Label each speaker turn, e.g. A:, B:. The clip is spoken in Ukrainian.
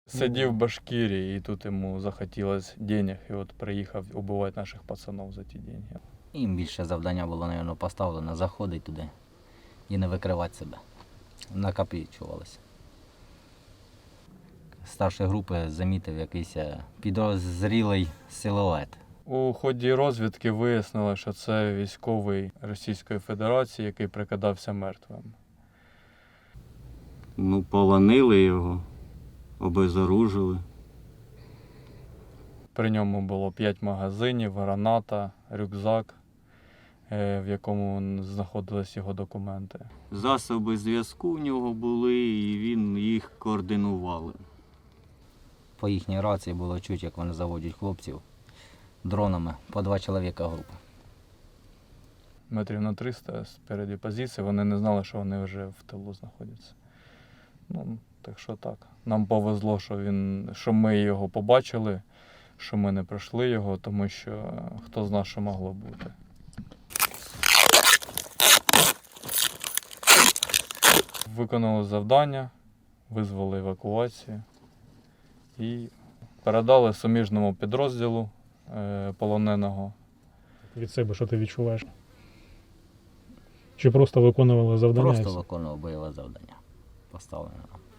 A: Сидів в Башкирії, і тут йому захотілося денег, і от приїхав убивати наших пацанів за ті деньги.
B: Їм більше завдання було, мабуть, поставлено заходити туди і не викривати себе. Накопичувалося. Старший групи замітив якийсь підозрілий силует.
A: У ході розвідки вияснили, що це військовий Російської Федерації, який прикидався мертвим.
C: Полонили його, обезоружили.
A: При ньому було 5 магазинів, граната, рюкзак, в якому знаходились його документи.
C: Засоби зв'язку в нього були, і він їх координував.
B: По їхній рації було чути, як вони заводять хлопців дронами по 2 чоловіка групи.
A: Метрів на 300 спереді позиції, вони не знали, що вони вже в тилу знаходяться. Так що так. Нам повезло, що ми його побачили, що ми не пройшли його, тому що хто знає, що могло бути. Виконали завдання, визвали евакуацію і передали суміжному підрозділу полоненого.
D: Від себе, що ти відчуваєш? Чи просто виконували завдання?
B: Просто виконував бойове завдання, поставлене нам.